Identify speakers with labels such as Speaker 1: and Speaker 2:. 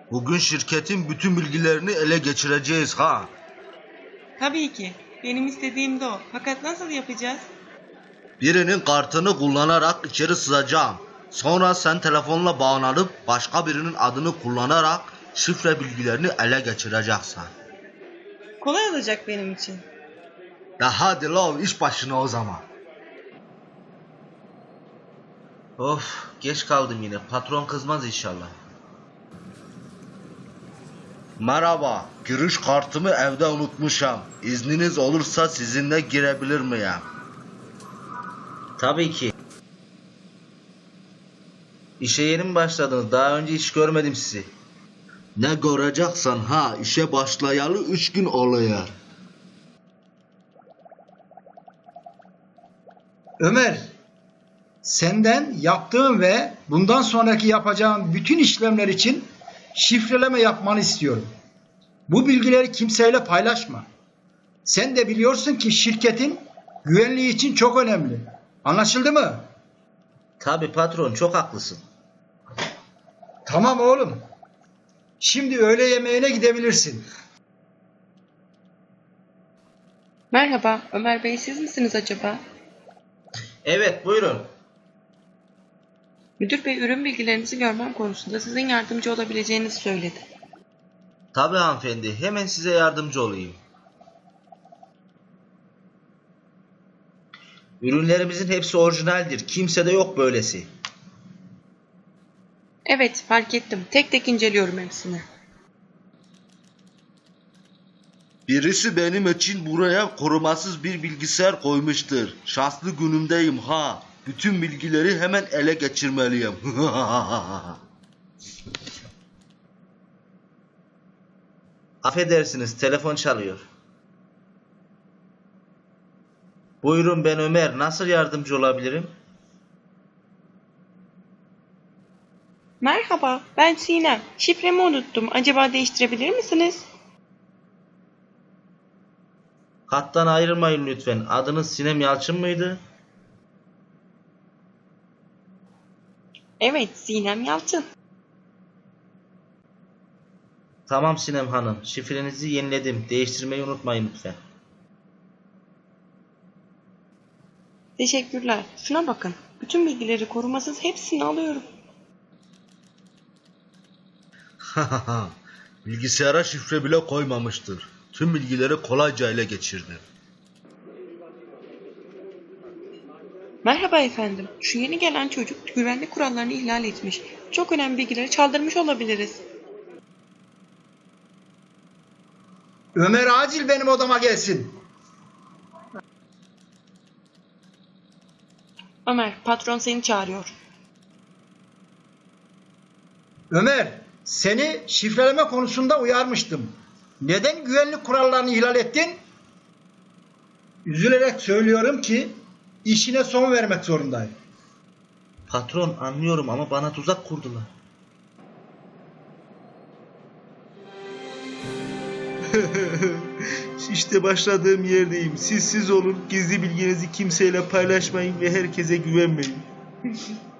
Speaker 1: Bugün şirketin bütün bilgilerini ele geçireceğiz ha.
Speaker 2: Tabii ki. Benim istediğim de o. Fakat nasıl yapacağız?
Speaker 1: Birinin kartını kullanarak içeri sızacağım. Sonra sen telefonla bağlanıp başka birinin adını kullanarak şifre bilgilerini ele geçireceksin.
Speaker 2: Kolay olacak benim için.
Speaker 1: Ya hadi la iş başına o zaman. Of geç kaldım yine. Patron kızmaz inşallah. Merhaba. Giriş kartımı evde unutmuşum. İzniniz olursa sizinle girebilir miyim? Tabii ki. İşe yeni mi başladınız? Daha önce hiç görmedim sizi. Ne göreceksen ha, işe başlayalı 3 gün oluyor.
Speaker 3: Ömer, senden yaptığım ve bundan sonraki yapacağım bütün işlemler için şifreleme yapmanı istiyorum. Bu bilgileri kimseyle paylaşma. Sen de biliyorsun ki şirketin güvenliği için çok önemli. Anlaşıldı mı?
Speaker 1: Tabii patron, çok haklısın.
Speaker 3: Tamam oğlum. Şimdi öğle yemeğine gidebilirsin.
Speaker 2: Merhaba, Ömer Bey siz misiniz acaba?
Speaker 1: Evet, buyurun.
Speaker 2: Müdür Bey ürün bilgilerinizi görmem konusunda sizin yardımcı olabileceğinizi söyledi.
Speaker 1: Tabii hanımefendi, hemen size yardımcı olayım. Ürünlerimizin hepsi orijinaldir. Kimsede yok böylesi.
Speaker 2: Evet, fark ettim. Tek tek inceliyorum hepsini.
Speaker 1: Birisi benim için buraya korumasız bir bilgisayar koymuştur. Şanslı günümdeyim ha. Bütün bilgileri hemen ele geçirmeliyim. Affedersiniz, telefon çalıyor. Buyurun, ben Ömer. Nasıl yardımcı olabilirim?
Speaker 2: Merhaba, ben Sinem. Şifremi unuttum. Acaba değiştirebilir misiniz?
Speaker 1: Hattan ayrılmayın lütfen. Adınız Sinem Yalçın mıydı?
Speaker 2: Evet, Sinem Yalçın.
Speaker 1: Tamam Sinem Hanım. Şifrenizi yeniledim. Değiştirmeyi unutmayın lütfen.
Speaker 2: Teşekkürler. Şuna bakın. Bütün bilgileri korumasız hepsini alıyorum.
Speaker 1: Bilgisayara şifre bile koymamıştır. Tüm bilgileri kolayca ele geçirdi.
Speaker 2: Merhaba efendim. Şu yeni gelen çocuk güvenlik kurallarını ihlal etmiş. Çok önemli bilgileri çaldırmış olabiliriz.
Speaker 3: Ömer acil benim odama gelsin.
Speaker 2: Ömer, patron seni çağırıyor.
Speaker 3: Ömer, seni şifreleme konusunda uyarmıştım. Neden güvenlik kurallarını ihlal ettin? Üzülerek söylüyorum ki işine son vermek zorundayım.
Speaker 1: Patron, anlıyorum ama bana tuzak kurdular. İşte başladığım yerdeyim. Siz olun, gizli bilginizi kimseyle paylaşmayın ve herkese güvenmeyin.